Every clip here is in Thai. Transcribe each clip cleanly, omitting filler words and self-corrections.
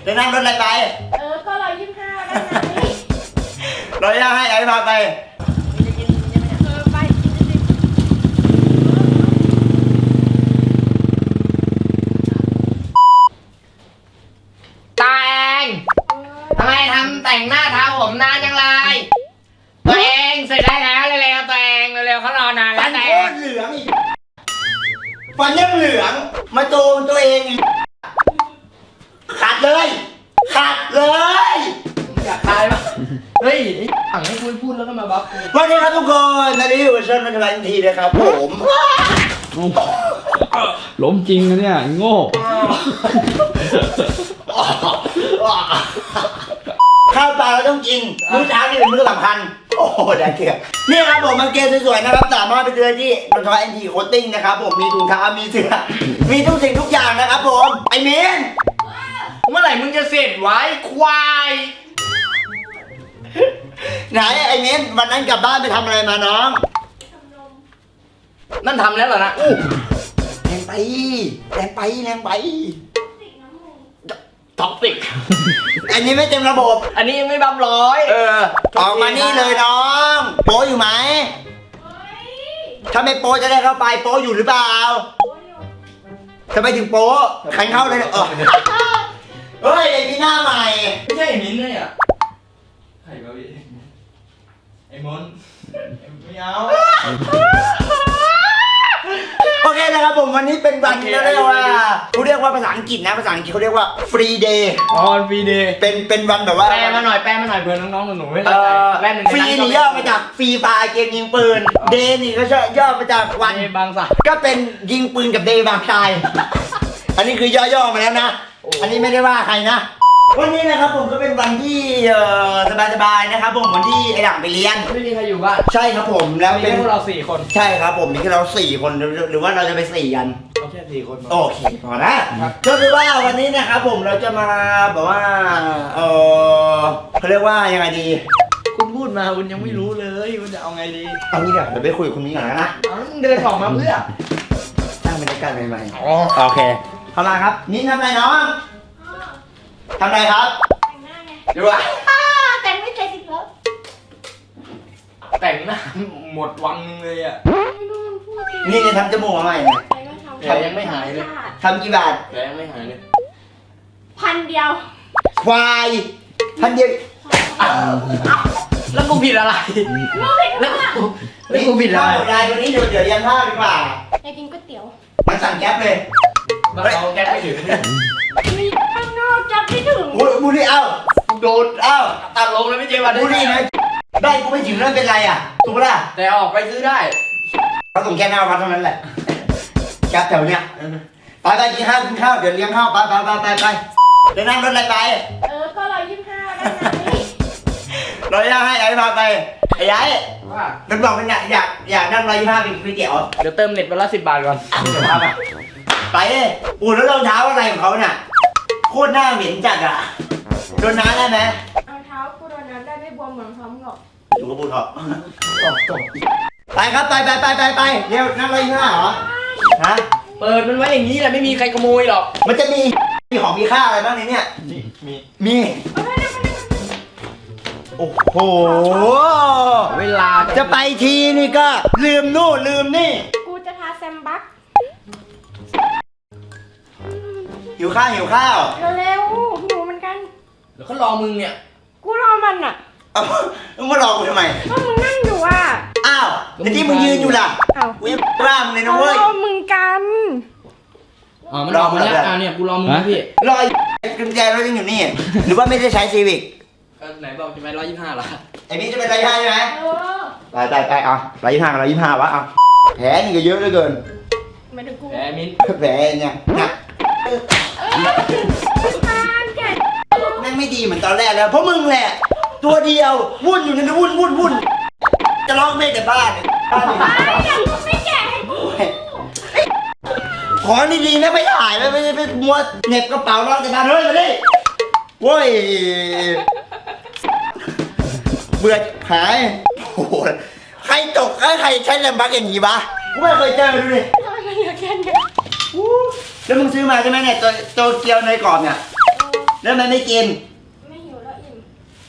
จะนั่งรถอะไรไปก็125ได้ไหมเราจะให้ไอ้พาไปไปตาเองทำไมทำแต่งหน้าทาผมนานจังเลยตัวเองเสร็จได้แล้วเร็วๆตัวเองเร็วๆเขารอนานแล้ฟัวน แต่โคตรเหลืองอีกฟันยังเหลืองมาโจมตัวเองอีกขัดเลยขัดเลยอยากตายปะเฮ้ยสั่งให้พูดแล้วก็มาบัฟวันนี้ครับทุกคนตอนนี้อยู่กับเชิญมาทำทันทีนะครับผมล้มจริงนะเนี่ยโง่ข้าวปลาเราต้องกินมื้อเช้านี่เป็นมื้อสำคัญโอ้โหได้เถื่อนนี่ครับผมมาเกณฑ์สวยๆนะครับสามารถไปเจอที่นนทวัฒน์ NT Coating นะครับผมมีถุงเท้ามีเสื้อมีทุกสิ่งทุกอย่างนะครับผมไอ้เมนเมื่อไหร่มึงจะเสร็จไว้ควายไหนไอ้เมนวันนั้นกลับบ้านไปทำอะไรมาน้องนั่นทำแล้วเหรอนะแรงไปแรงไปแรงไปท็อกซิกอันนี้ไม่เต็มระบบอันนี้ยังไม่บัฟร้อยออกมานี่เลยน้องโป๊อยู่ไหมถ้าไม่โป๊จะได้เข้าไปโป๊อยู่หรือเปล่าทำไมถึงโป๊ขันเข้าเลยเฮ้ยไอ้พี่หน้าใหม่ไม่ใช่มิ้นท์เลยอ่ะใครวะพี่ไอ้มนไม่เอาโอเคนะครับผมวันนี้เป็นวันที่เรียกว่าเขาเรียกว่าภาษาอังกฤษนะภาษาอังกฤษเขาเรียกว่า free day อ๋อฟรีเดย์เป็นวันแบบว่าแปลมาหน่อยเผื่อน้องๆหนูๆไม่เข้าใจแป๊บนึงฟรีนี่ย่อมาจากฟรีไฟล์เกมยิงปืนเดย์นี่ก็ย่อมาจากวันในบางสักก็เป็นยิงปืนกับเดย์บางชาย อันนี้คือย่อๆมาแล้วนะ อันนี้ไม่ได้ว่าใครนะ วันนี้นะครับผมก็เป็นวันที่สบายๆนะครับผมวันที่ไอ้หลังไปเรียนไม่มีใครอยู่บ้านใช่ครับผมแล้วมีเป็นแค่พวกเรา4 คนใช่ครับผมมีแค่เรา4 คนหรือว่าเราจะไป4 กันเอาแค่4 คนโอเคพอนะก็คือว่าวันนี้นะครับผมเราจะมาแบบว่าเขาเรียกว่ายังไงดีคุณพูดมาคุณยังไม่รู้เลยคุณจะเอาไงดีเอางี้เดี๋ยวไปคุยกับคุณนี้ก่อนนะเอาแล้วมึงเดินออกมาเพื่อสร้างบรรยากาศใหม่ๆโอเคเข้ามาครับนี่ทำอะไรน้องทำอะไรครับแต่งหน้าไงดูว่าแต่งไม่เสร็จอีกแล้วแต่งหน้าหมดวังนึงเลยอ่ะไม่รู้มันพูดจริงนี่เนี่ยทำจมูกมาใหม่เนี่ยแต่ก็ทำแต่ยังไม่หายเลยทำกี่บาทแต่ยังไม่หายเลย 1,000 เดียวควายพันเดียวแล้วกูผิดอะไรรู้ผิดแล้วว่ากูผิดอะไรได้วันนี้เดี๋ยวเรียนภาพดีกว่าอยากกินก๋วยเตี๋ยวมันสั่งแก๊ปเลยบ้านเราแก๊สไม่ถึงมีข้างนอกจับไม่ถึงบุรีเอ้าโดดเอ้าตัดลงแล้วไม่เจอวันบุรีนะได้กูไม่ถึงนั่นเป็นไรอ่ะถูกปะล่ะแต่ออกไปซื้อได้เขาส่งแค่หน้าวัดเท่านั้นแหละแก๊ปแถวเนี้ยไปกินข้าวเดี๋ยวเลี้ยงข้าวไปเดี๋ยวนั่งรถอะไรไปก็125ได้ไหมเราจะให้ไอ้พาไปไอ้ยัยว่ามันบอกมันอยากนั่ง125เป็นก๋วยเตี๋ยวเดี๋ยวเติมเน็ตวันละ10 บาทก่อนเดี๋ยวพาไปเลยอู๋แล้วรองเท้าอะไรของเขาเนี่ยโคตรหน้าเหม็นจัดอ่ะโดนน้ำได้ไหมเอาเท้ากูโดนน้ำได้ไม่บวมเหมือนพร้อมหรอกดูกระปุกเถอะไปครับไปเร็วนั่ง125เหรอฮะเปิดมันไว้อย่างนี้แหละไม่มีใครขโมยหรอกมันจะมีของมีค่าอะไรบ้างในเนี่ยมีโอ้โหเวลาจะไปทีนี่ก็ลืมนู่นลืมนี่กูจะทาแซมบักหิวข้าวเร็วๆหิวเหมือนกันเดี๋ยวเขารอมึงเนี่ยกูรอมันอ่ะเอามึงมารอกูทำไมก็มึงนั่งอยู่อ่ะอ้าวแต่ที่มึงยืนอยู่ล่ะเอ้ากูยังบ้ามึงเลยนะเอาเว้ยรอมึงกันอ๋อมันออกมาแล้วเนี่ยกูรอมึงนะพี่รอกุญแจรถยังอยู่นี่ หรือว่าไม่ได้ใช้ซีวิกไหนบอกจะไป125ล่ะไอ้นี่จะเป็น125ใช่ไหมเออไปเอา125วะเอาแผลนี่ก็เยอะเหลือเกินหมายถึงกูแหมมิ้นแผลเนี่ยนะทานแกแม่งไม่ดีเหมือนตอนแรกแล้วเพราะมึงแหละ ตัวเดียววุ่นอยู่นั่นวุ่นจะร้องไม่แต่บ้านไม่อยากกูไม่แกะให้กูขอดีๆนะไม่ถ่ายแล้วไม่ไปมัวเหน็บกระเป๋าร้องแต่บ้านเฮ้ยมาดิโว้ยเบื่อหายโอ้โหใครตกใครใช้แลมบักอย่างนี้วะกูไม่เคยเจอดูดิทำไมมันเหลือแค่นี้แล้วมึงซื้อมาใช่ไหมเนี่ยตัวเกียวเนยกรอบเนี่ยแล้วมันไม่กินไม่หิวแล้วอิ่ม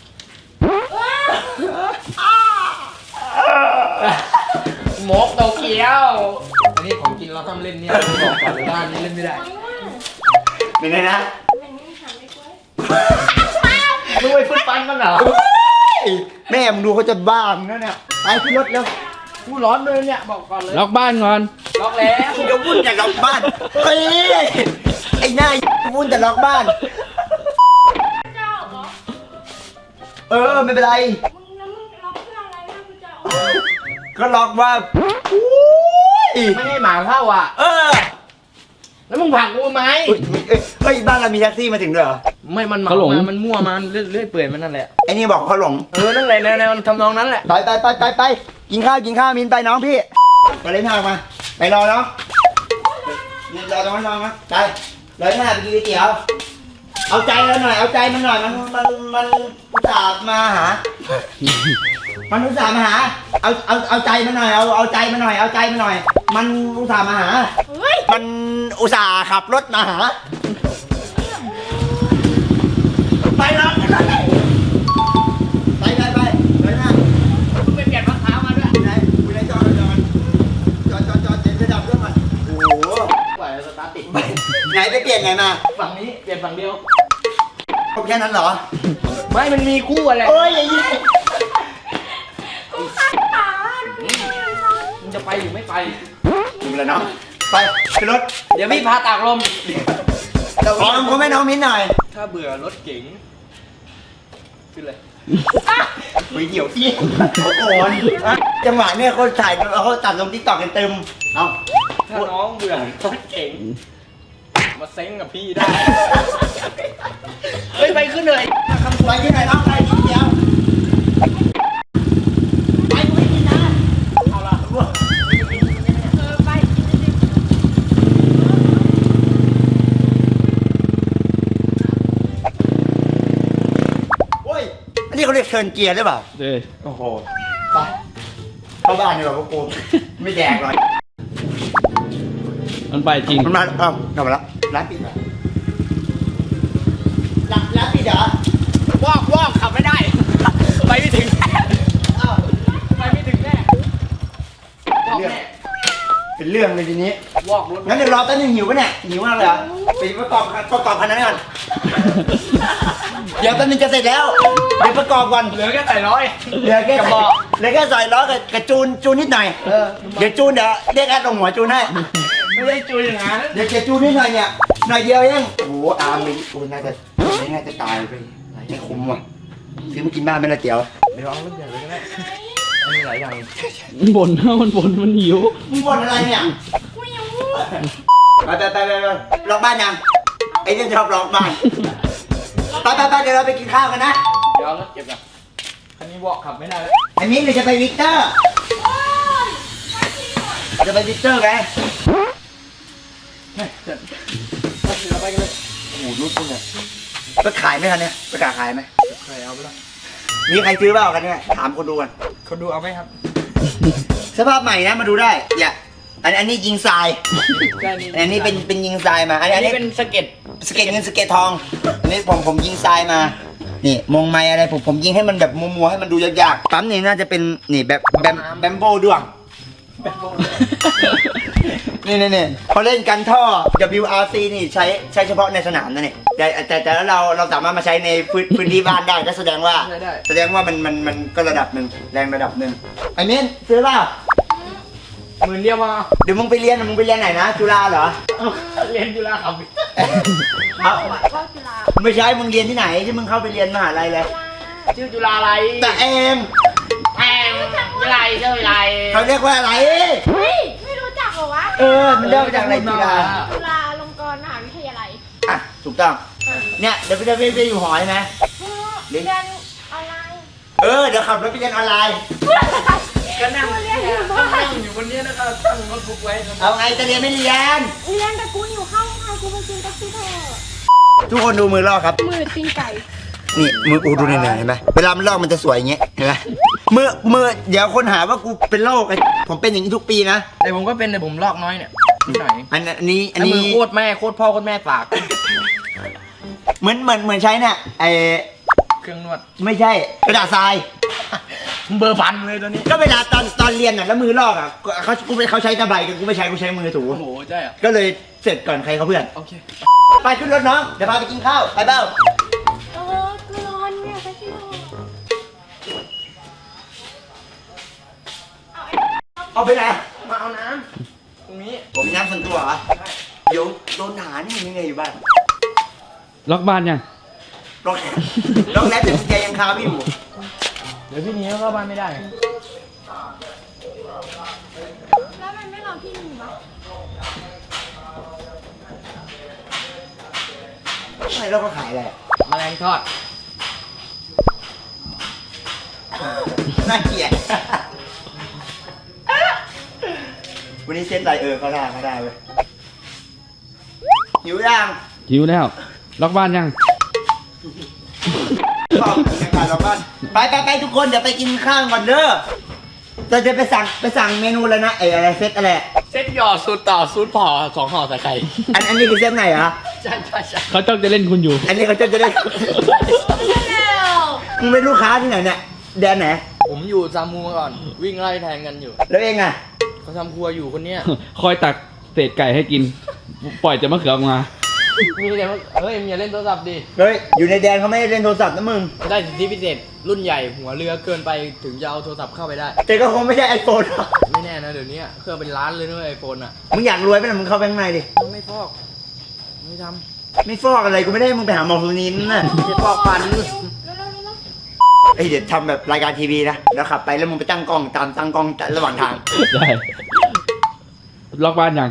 หมกโตเกียวอันนี้ของกินเราทำเล่นเนี่ยบอกก่อนเลยว่าอันนี้เล่นไม่ได้เป็นไงนะเป็นนี่ทำไม่กล้วยมึงไปฟื้นฟันมันเหรอแม่มึงดูเขาจะบ้ามึงแล้วเนี่ยไปขึ้นรถเร็วกูร้อนเลยเนี่ยบอกก่อนเลยล็อกบ้านก่อนล็อกแล้วมึงจะวุ่นแต่ล็อกบ้านเฮ้ยไอ้หน้าวุ่นแต่ล็อกบ้านเจ้าเหรอเออไม่เป็นไรมึงแล้วมึงล็อกเพื่ออะไรนะมึงจะเอาก็ล็อกว่าอุ้ยไม่ให้หมาเข้าอ่ะเออแล้วมึงผลักกูไหมเฮ้ยบ้านเรามีแท็กซี่มาถึงด้วยเหรอไม่มันมามันมั่วมาเรื่อยเปื่อยมันนั่นแหละไอ้นี่บอกเขาหลงนั่นแหละแนวทำนองนั้นแหละไปกินข้าวมินไปน้องพี่ไปเล่นทางมาไปรอน้องรอตรงนั้นน้องนะไปเลยหน้าไปกินก๋วยเตี๋ยวเอาใจเราหน่อยเอาใจมันหน่อยมันอุตส่าห์มาหา มันอุตส่าห์มาหาเอาใจมันหน่อยเอาใจมันหน่อยเอาใจมันหน่อย มันอุตส่าห์มาหาเฮ้ยมันอุตส่าห์ขับรถมาหาไปแล้วไปเลยหน้ามึงไปเปลี่ยนรองเท้ามาด้วยไหนคุยอะไรจอดเดี๋ยวจะดับเครื่องก่อนโอ้โหปล่อยสตาร์ทติดไหนไปเปลี่ยนไงมาฝั่งนี้เปลี่ยนฝั่งเดียวผมแค่นั้นเหรอไม่มันมีคู่อะไรโอ้ยอย่างนี้กูขัดขาดูดิมึงจะไปหรือไม่ไปดูเลยน้องไปขึ้นรถเดี๋ยวพี่พาตากลมขอผมให้น้องมิ้นหน่อยถ้าเบื่อรถเก๋งขึ้นเลยคุยเดี่ยวพี่โอ้โหจังหวะเนี่ยคนถ่ายเขาตัดลงทิกตอกกันเต็มเอาถ้าน้องเบื่อรถเก๋งมาเซ้งกับพี่ได้ เฮ้ยไปขึ้นเลยไปที่ไหนน้องไปที่เดียวไปกูไม่กินนะเอาละไปกินดิโอ้ยอันนี้เขาเรียกเชิญเกียร์หรือเปล่าเด้อโอ้โหไปเข้าบ้านดีกว่าพวกกูไม่แดกหรอกมันไปจริงมันมาเอ้ากลับมาแล้วร้านปิดเหรอร้านปิดเหรอวอกขับไม่ได้ ไปไม่ถึงอ้าวไปไม่ถึงแน่วอกเรื่องแน่เป็นเรื่องเลยทีนี้วอกรถงั้นเดี๋ยวรอแป๊บนึงหิวปะเนี่ยหิวมากเลยเหรอไปประกอบคันนั้นก่อนเดี๋ยวแป๊บนึงจะเสร็จแล้วเดี๋ยวประกอบก่อนเหลือแค่ใส่ร้อยเหลือแค่กระบอกเหลือแค่ใส่ล้อกับจูนนิดหน่อยเดี๋ยวจูนเดี๋ยวเรียกแอดลงหัวจูนให้ไม่ได้จุยอย่างนั้นเดี๋ยวจะจูนนิดหน่อยเนี่ยหน่อยเดียวเองโอ้โหอาร์มนี่กูน่าจะตายไปไม่คุ้มว่ะซื้อมากินบ้านไม่ละเตี๋ยวเดี๋ยวเอารถใหญ่เลยก็ได้อันนี้หลายอย่างมันบ่นนะมันบ่นมันหิวมึงบ่นอะไรเนี่ยกูยังไปล็อกบ้านยังไอ้เนี่ยชอบล็อกบ้านไปเดี๋ยวเราไปกินข้าวกันนะเดี๋ยวเอารถเก็บก่อนคันนี้วอกขับไม่ได้แล้วอันนี้เราจะไปวิกเตอร์จะไปวิกเตอร์ไงเราไปกันเลยโอ้โหรุ่นเนี่ยไปขายไหมคันเนี่ยไปกล้าขายไหมใครเอาไปละมีใครซื้อเปล่ากันเนี่ยถามคนดูกันคนดูเอาไหมครับสภาพใหม่นะมาดูได้อย่าอันนี้ยิงทรายใช่นี่อันนี้เป็นยิงทรายมาอัอันนนี้นี้เป็นสเก็ตสเก็ตเงินสเก็ตทองอันนี้ผมยิงทรายมานี่มงไม้อะไรผมยิงให้มันแบบมัวๆให้มันดูยากๆปั๊มนี่น่าจะเป็นนี่แบบแบมโบด้วงนี่เขาเล่นกันท่อ WRC นี่ใช้เฉพาะในสนามนะเนี่ยแต่แล้วเราสามารถมาใช้ในพื้นที่บ้านได้ก็แสดงว่ามันก็ระดับหนึ่งแรงระดับหนึ่งไอ้เม้นซื้อเปล่าหมื่นเดียวมาเดี๋ยวมึงไปเรียนไหนนะจุฬาเหรอเรียนจุฬาครับเอาก็กีฬาไม่ใช่มึงเรียนที่ไหนที่มึงเข้าไปเรียนมหาลัยเลยชื่อจุฬาอะไรแต่เองแพงอะไรเท่าไรเขาเรียกว่าอะไรเฮ้ยไม่รู้จักเหรอวะมันเรียกมาจากอะไรจุฬาจุฬาลงกรณ์มหาวิทยาลัยอ่ะถูกต้องเนี่ยเดี๋ยวไปอยู่หอใช่ไหมเรียนออนไลน์เดี๋ยวขับรถไปเรียนออนไลน์ก็นั่งเรียนอยู่บ้านนั่งอยู่บนนี้แล้วก็ตั้งโน้ตบุ๊กไว้เอาไงจะเรียนไม่เรียนเรียนแต่กูอยู่ข้างทางกูไปกินแท็กซี่เถอะทุกคนดูมือลอกครับมือตีนไก่นี่มือกูดูเหนื่อยๆเห็นไหมเวลามันลอกมันจะสวยอย่างเงี้ยเห็นไหมมือเดี๋ยวคนหาว่ากูเป็นโรคไอ้ผมเป็นอย่างนี้ทุกปีนะแต่ผมก็เป็นแต่ผมลอกน้อยเนี่ยนิดหน่อยอันนี้มือโคตรแม่โคตรพ่อโคตรแม่ปากเหมือนใช้เนี่ยไอเครื่องนวดไม่ใช่กระดาษทรายเบอร์พันเลยตัวนี้ก็เวลาตอนเรียนอ่ะแล้วมือลอกอ่ะเขาใช้ตะไบกันกูไม่ใช้กูใช้มือถูโอ้โหใช่อ่ะก็เลยเสร็จก่อนใครเขาเพื่อนโอเคไปขึ้นรถน้องเดี๋ยวพาไปกินข้าวไปเบ้ากูร้อนเนี่ยไปที่นอนเอาไปไหนมาเอาน้ำตรงนี้ผมมีน้ำส่วนตัวเหรอเดี๋ยวโดนด่านี่ยังไงอยู่บ้านล็อกบ้านยังลองลองแล้วแต่กุญแจยังคาพี่อยู่เดี๋ยวพี่หนี้เข้าบ้านไม่ได้แล้วมันไม่รอพี่หนึ่งวะอะไรเราก็ขายอะไรแมลงทอดน่าเกลียดวันนี้เซ็ตอะไรเขาได้เว้ยหิวยังหิวแล้ว ล็อกบ้านยังชอบบรรยากาศเราบ้านไปทุกคนเดี๋ยวไปกินข้าวก่อนเด้อเราจะไปสั่งเมนูแล้วนะอะไรเซ็ตอะไรเส้นหยอดสูตรต่อสูตรพอ2ห่อใส่ไข่อันนี้คือเซ็ตไหนเหรอใช่ใช่ใช่เขาจ้องจะเล่นคุณอยู่อันนี้เขาจะได้แล้วมึงเป็นลูกค้าที่ไหนเนี่ยแดนไหนผมอยู่ซามูมาก่อน วิ่งไล่แทงกันอยู่แล้วเองอ่ะเขาทำครัวอยู่คนเนี้ยคอยตักเศษไก่ให้กิน ปล่อยจะมะเขือออกมามีแต่ว่าเฮ้ยมึงอย่าเล่นโทรศัพท์ดิเฮ้ยอยู่ในแดนเขาไม่ได้เล่นโทรศัพท์นะมึงได้สิทธิพิเศษรุ่นใหญ่หัวเรือเกินไปถึงจะเอาโทรศัพท์เข้าไปได้แต่ก็คงไม่ใช่ไอโฟนไม่แน่นะเดี๋ยวนี้เครื่องเป็นล้านเลยนะไอโฟนอ่ะมึงอยากรวยไหมล่ะมึงเข้าไปข้างในดิไม่ฟอกไม่ทไม่ฟอกอะไรกูไม่ได้ให้มึงไปหาหมอฟูนินน่ะำไม่ฟอกฟันเร็วเอ้ยเดี๋ยวทำแบบรายการทีวีนะแล้วขับไปแล้วมึงไปตั้งกล้องตั้งกล้องระหว่างทางได้ ล็อกบ้านยัง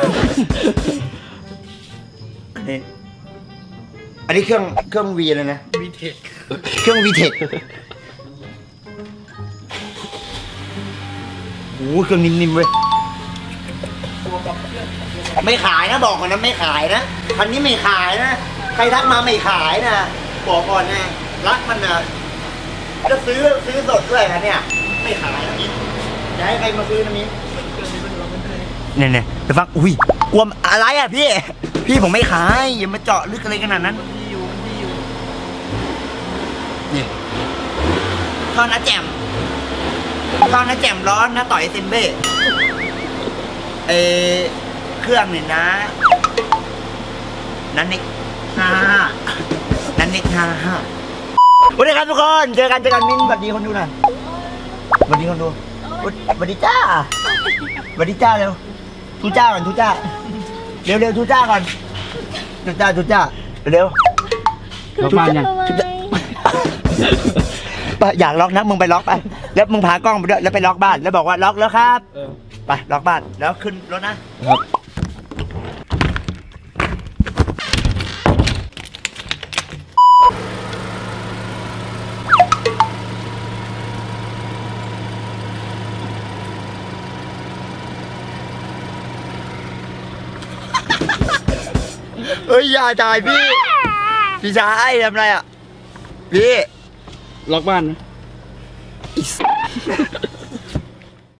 อันนี้เครื่องวีเลยนะวีเทคเครื่องวีเทคโอ้โหเครื่องนิ่มๆเว้ยไม่ขายนะบอกก่อนนะไม่ขายนะคันนี้ไม่ขายนะใครทักมาไม่ขายนะบอกก่อนนะรักมันนะจะซื้อสดด้วยนะเนี่ยไม่ขายนะมิ้นจะให้ใครมาซื้อนะมิ้นเนี่ยเดี๋ยวฟังอุ้ยกลัวอะไรอ่ะพี่ผมไม่ขายอย่ามาเจาะลึกอะไรขนาดนั้น นี่ทอดนะแจ่มร้อนนะต่อยเซมเบ้เครื่องเนี่ยนะนันนิก55วันนี้ครับทุกคนเจอกันมิ้นสวัสดีคนดูหน่อยสวัสดีคนดูสวัสดีจ้าสวัสดีจ้าเร็วทูจ้าก่อนทูจ้าเร็วทูจ้าก่อนทูจ้าเร็วล็อกบ้านยังอยากล็อกนะมึงไปล็อกไปแล้วมึงพากล้องไปด้วยแล้วไปล็อกบ้านแล้วบอกว่าล็อกแล้วครับไปล็อกบ้านแล้วขึ้นรถนะครับ เอ้ยอย่าจ่ายพี่ชายทำไรอ่ะพี่ล็อกบ้านไหม